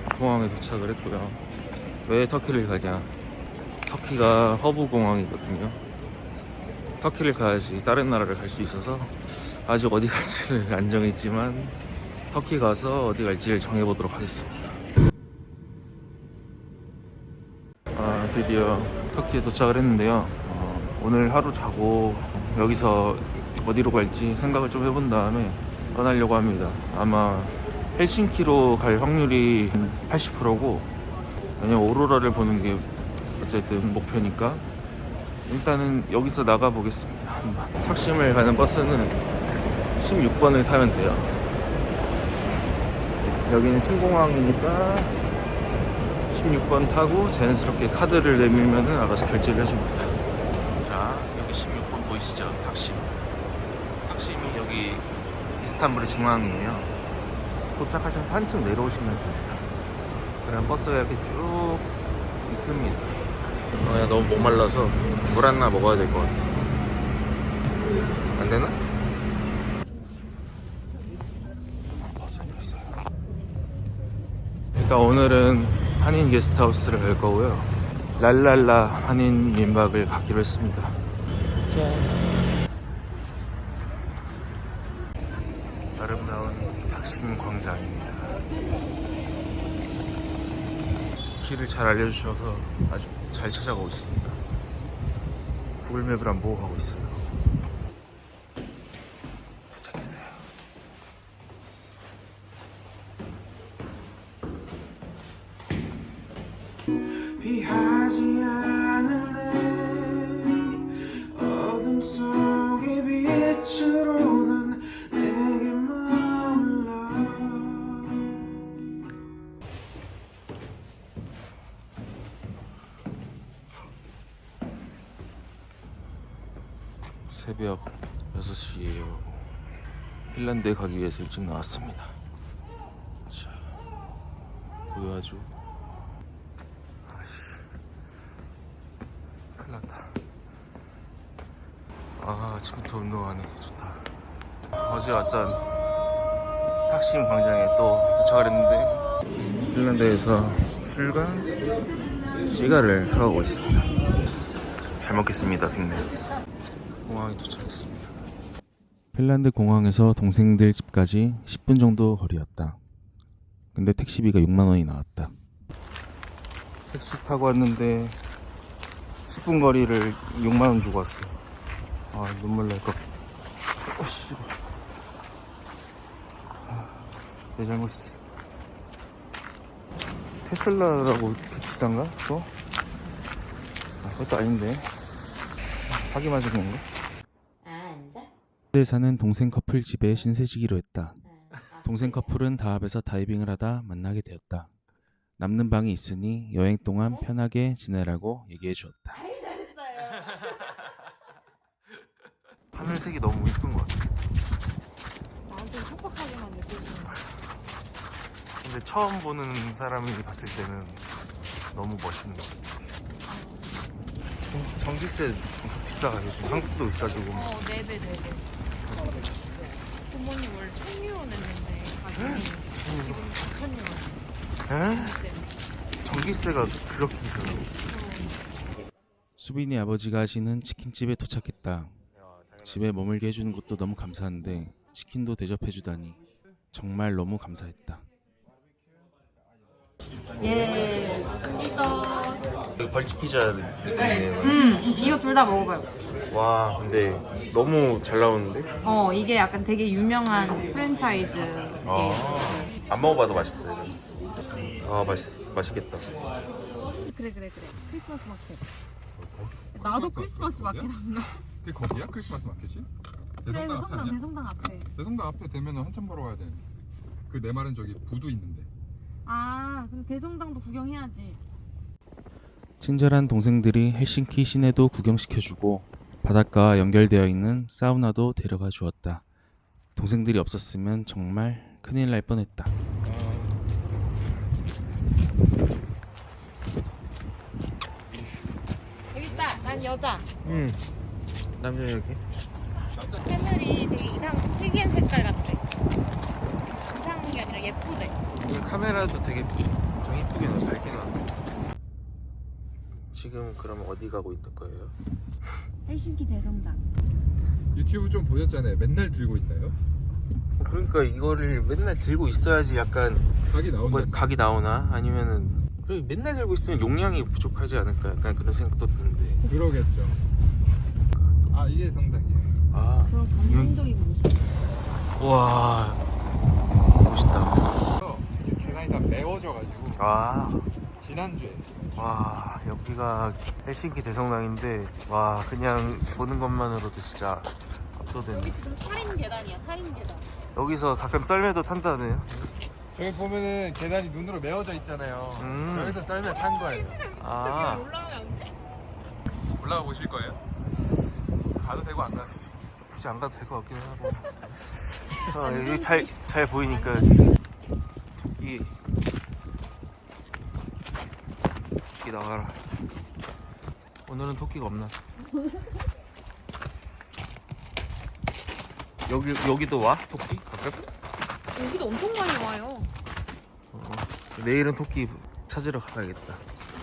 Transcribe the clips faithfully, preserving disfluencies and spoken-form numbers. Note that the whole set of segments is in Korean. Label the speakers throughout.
Speaker 1: 공항에 도착을 했고요. 왜 터키를 가냐? 터키가 허브 공항이거든요. 터키를 가야지 다른 나라를 갈 수 있어서 아직 어디 갈지를 안 정했지만 터키 가서 어디 갈지를 정해보도록 하겠습니다. 아, 드디어 터키에 도착을 했는데요. 어, 오늘 하루 자고 여기서 어디로 갈지 생각을 좀 해본 다음에 떠나려고 합니다. 아마 헬싱키로 갈 확률이 팔십 퍼센트고, 왜냐면 오로라를 보는 게 어쨌든 목표니까 일단은 여기서 나가 보겠습니다. 한번. 탁심을 가는 버스는 십육 번을 타면 돼요. 여기는 신공항이니까 십육 번 타고 자연스럽게 카드를 내밀면은 알아서 결제를 해줍니다. 자, 여기 십육 번 보이시죠? 탁심. 탁심이 여기 이스탄불의 중앙이에요. 도착하셔서 한층 내려오시면 됩니다. 그럼 버스가 이렇게 쭉 있습니다. 어, 야, 너무 목말라서 물 하나 먹어야 될 것 같아. 안 되나? 일단 오늘은 한인 게스트하우스를 갈 거고요. 랄랄라 한인 민박을 갖기로 했습니다. 짠. 아름다운 탁심 광장입니다. 길을 잘 알려주셔서 아주 잘 찾아가고 있습니다. 구글맵을 안 보고 가고 있어요. 도착했어요.
Speaker 2: 피하지 않을래 어둠 속의 빛으로 난 내게 머물러.
Speaker 1: 새벽 여섯 시에요. 핀란드에 가기 위해서 일찍 나왔습니다. 자, 보여줘. 아씨, 큰일 났다. 아, 아침부터 운동하네. 좋다. 어제 왔던 탁심 광장에 또 도착을 했는데 핀란드에서 술과 시가를 사오고 있습니다. 잘 먹겠습니다, 빅맨. 공항에 도착했습니다. 핀란드 공항에서 동생들 집까지 십 분 정도 거리였다. 근데 택시비가 육만 원이 나왔다. 택시 타고 왔는데 십 분 거리를 육만 원 주고 왔어요. 아, 눈물 날 것 같아. 아, 내 잘못이지. 테슬라라고 이렇게 비싼가? 또? 아, 그것도 아닌데. 사기 맞은 건가? 에 사는 동생 커플 집에 신세지기로 했다. 동생 커플은 다합에서 다이빙을 하다 만나게 되었다. 남는 방이 있으니 여행 동안 편하게 지내라고 얘기해 주었다. 하늘색이 너무 예쁜 것 같아.
Speaker 3: 나한테는 촉박하게만 느껴지는 거야.
Speaker 1: 근데 처음 보는 사람이 봤을 때는 너무 멋있는 것 같아. 전기세 비싸가 요즘 한국도 비싸지고.
Speaker 3: 어, 네배 네배. 부모님 원래 천유원 했는데 가격이 지금 사천유원.
Speaker 1: 에? 전기세가 그렇게 비싸다고? 수빈이 아버지가 하시는 치킨집에 도착했다. 집에 머물게 해주는 것도 너무 감사한데 치킨도 대접해주다니 정말 너무 감사했다.
Speaker 3: 예, 이거.
Speaker 1: 이거 벌집 피자 느낌이네요.
Speaker 3: 음, 이거 둘 다 먹어봐요.
Speaker 1: 와, 근데 너무 잘 나오는데?
Speaker 3: 어, 이게 약간 되게 유명한 프랜차이즈.
Speaker 1: 아, 안 먹어봐도 맛있다. 이거. 아, 맛있, 맛있겠다.
Speaker 3: 그래 그래 그래. 크리스마스 마켓. 나도 크리스마스 마켓 안 나.
Speaker 4: 그게 거기야? 크리스마스 마켓이?
Speaker 3: 그래,
Speaker 4: 대성당 앞에
Speaker 3: 성당
Speaker 4: 아니야?
Speaker 3: 대성당 앞에.
Speaker 4: 대성당 앞에 되면 한참 걸어와야 돼. 그 내 말은 저기 부두 있는데.
Speaker 3: 아, 근데 대성당도 구경해야지.
Speaker 1: 친절한 동생들이 헬싱키 시내도 구경시켜주고 바닷가와 연결되어 있는 사우나도 데려가 주었다. 동생들이 없었으면 정말 큰일 날 뻔했다.
Speaker 3: 여기 있다. 난 여자.
Speaker 1: 응. 남자 여기.
Speaker 3: 하늘이 되게 이상 특이한 색깔 같아. 이상한 게 아니라 예쁘대.
Speaker 1: 이 카메라도 되게 예쁘게 나 밝게 나왔어. 지금 그럼 어디 가고 있는 거예요?
Speaker 3: 헬싱키 대성당.
Speaker 4: 유튜브 좀 보셨잖아요. 맨날 들고 있나요?
Speaker 1: 그러니까 이거를 맨날 들고 있어야지 약간
Speaker 4: 각이 나온다.
Speaker 1: 뭐 각이 나오나? 아니면은 그래 맨날 들고 있으면 용량이 부족하지 않을까? 약간 그런 생각도 드는데.
Speaker 4: 그러겠죠. 아 이게 성당이에요.
Speaker 1: 아,
Speaker 3: 그런 감동적인 모습.
Speaker 1: 와 멋있다.
Speaker 4: 특히 계단이 다 메워져가지고
Speaker 1: 와,
Speaker 4: 지난주에 지난주.
Speaker 1: 와 여기가 헬싱키 대성당인데 와 그냥 보는 것만으로도 진짜 압도되네.
Speaker 3: 살인 계단이야, 살인 계단.
Speaker 1: 여기서 가끔 썰매도 탄다네요.
Speaker 4: 저기 보면은 계단이 눈으로 메워져 있잖아요.
Speaker 1: 음.
Speaker 4: 저기서 썰매 탄 거예요.
Speaker 1: 아,
Speaker 3: 올라가면 안 돼?
Speaker 4: 올라가 보실 거예요?
Speaker 1: 가도 되고 안 가도 되고 굳이 안 가도 될 것 같긴 하고. 아, 여기 잘, 잘 보이니까 이 토끼 나와라. 오늘은 토끼가 없나? 여기 여기도 와? 토끼? 가끔?
Speaker 3: 여기도 엄청 많이 와요.
Speaker 1: 어, 내일은 토끼 찾으러 가야겠다.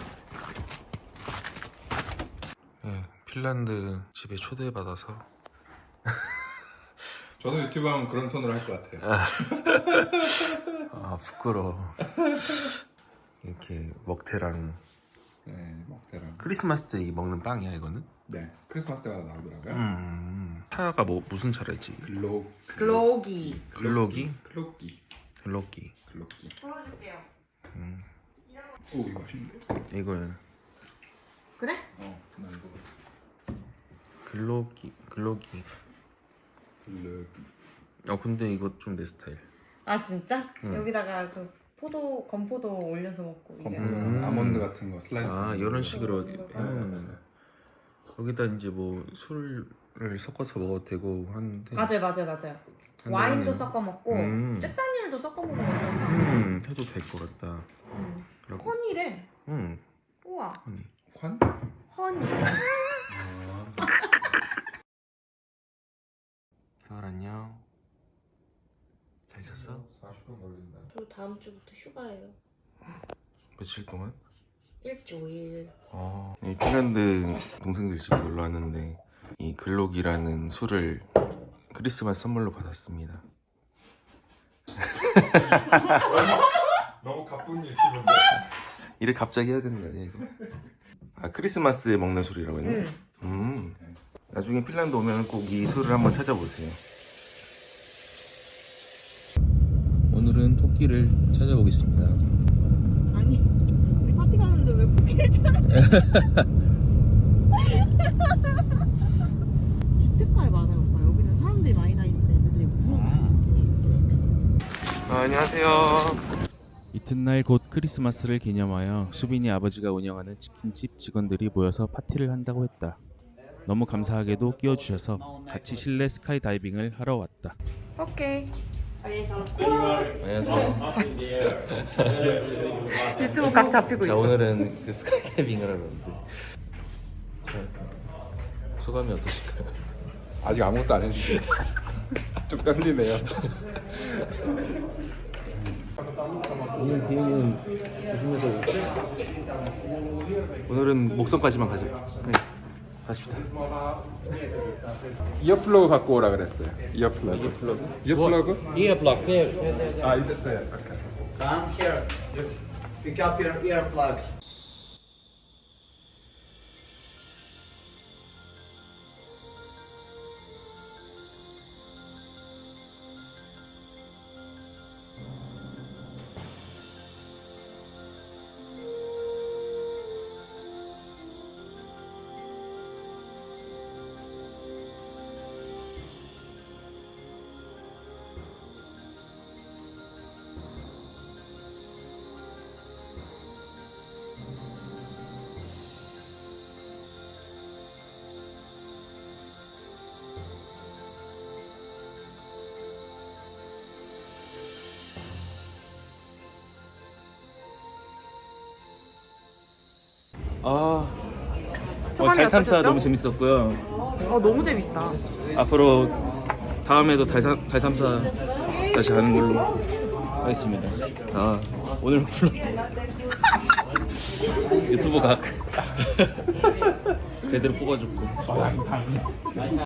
Speaker 1: 네, 핀란드 집에 초대받아서
Speaker 4: 저도 유튜브 하면 그런 톤으로 할 것 같아요.
Speaker 1: 아 부끄러워. 이렇게 먹태랑
Speaker 4: 네, 먹태랑.
Speaker 1: 크리스마스 때 먹는 빵이야 이거는?
Speaker 4: 네, 크리스마스 때마다 나오더라고요.
Speaker 1: 음, 차가 뭐 무슨 차랬지?
Speaker 4: 글로
Speaker 3: 글로기.
Speaker 1: 글로기?
Speaker 4: 글로기
Speaker 1: 글로기.
Speaker 4: 글로기.
Speaker 3: 보여줄게요.
Speaker 1: 음,
Speaker 4: 오 이거 맛있는데?
Speaker 1: 이거는
Speaker 3: 그래?
Speaker 4: 어, 나 이거 봤어.
Speaker 1: 글로기. 글로기.
Speaker 4: 글로기.
Speaker 1: 어 근데 이거 좀 내 스타일.
Speaker 3: 아 진짜?
Speaker 1: 응.
Speaker 3: 여기다가 그 포도 건포도 올려서 먹고 이게.
Speaker 1: 음.
Speaker 4: 아몬드 같은 거 슬라이스.
Speaker 1: 아 이런 식으로
Speaker 3: 음.
Speaker 1: 해놓으면 거기다 이제 뭐 술을 섞어서 먹어도 되고 하는데.
Speaker 3: 맞아요, 맞아요, 맞아요.
Speaker 1: 한다네요.
Speaker 3: 와인도 섞어 먹고
Speaker 1: 음.
Speaker 3: 쨘다니엘도 섞어 먹으면 어떨까?
Speaker 1: 음 해도 될 것 같다.
Speaker 3: 음.
Speaker 1: 라고.
Speaker 3: 허니래.
Speaker 1: 음.
Speaker 3: 우와.
Speaker 4: 환?
Speaker 3: 허니.
Speaker 1: 가을 안녕. 잘 있었어?
Speaker 4: 사십 분 걸린다.
Speaker 3: 저 다음 주부터 휴가예요.
Speaker 1: 며칠 동안?
Speaker 3: 일주일.
Speaker 1: 어, 이 핀란드 동생들 집에 놀러 왔는데 이 글록이라는 술을 크리스마스 선물로 받았습니다.
Speaker 4: 너무 가쁜 유튜브인데?
Speaker 1: 이래 갑자기 해야 되는 거 아니야 이거? 아 크리스마스에 먹는 술이라고 했네?
Speaker 3: 응.
Speaker 1: 음. 나중에 핀란드 오면 꼭 이 술을 한번 찾아보세요. 오늘은 토끼를 찾아보겠습니다.
Speaker 3: 아니, 우리 파티 가는데 왜 코끼리를 찾아? 주택가에 많아요, 오빠. 여기는 사람들이 많이 다니는데 애들이 무서운 거 있으니까.
Speaker 1: 아, 안녕하세요. 이튿날 곧 크리스마스를 기념하여 수빈이 아버지가 운영하는 치킨집 직원들이 모여서 파티를 한다고 했다. 너무 감사하게도 끼워주셔서 같이 실내 스카이다이빙을 하러 왔다.
Speaker 3: 오케이.
Speaker 1: 안녕하세요.
Speaker 3: 유튜브 각 잡히고
Speaker 1: 자 오늘은 그 스카이다이빙을 하러 왔는데 자, 소감이 어떠실까요?
Speaker 4: 아직 아무것도 안 해주세요. 좀 떨리네요.
Speaker 1: 오늘 비행기는 조심해서 오늘은 목성까지만 가자. 네, 가십시다.
Speaker 4: 이어플러그 갖고 오라 그랬어요. 이어플러그.
Speaker 1: 이어플러그?
Speaker 4: 이어플러그?
Speaker 5: Earplug there. there, there, there.
Speaker 4: 아 이제 네. 오케이.
Speaker 5: Come here. Yes. Pick up your earplugs.
Speaker 1: 아, 어,
Speaker 3: 소감이
Speaker 1: 달 탐사
Speaker 3: 어떠셨죠?
Speaker 1: 너무 재밌었고요.
Speaker 3: 어, 너무 재밌다.
Speaker 1: 앞으로 다음에도 달, 탐- 달 탐사 다시 하는 걸로 하겠습니다. 아, 오늘 불러 유튜브 각 제대로 뽑아줬고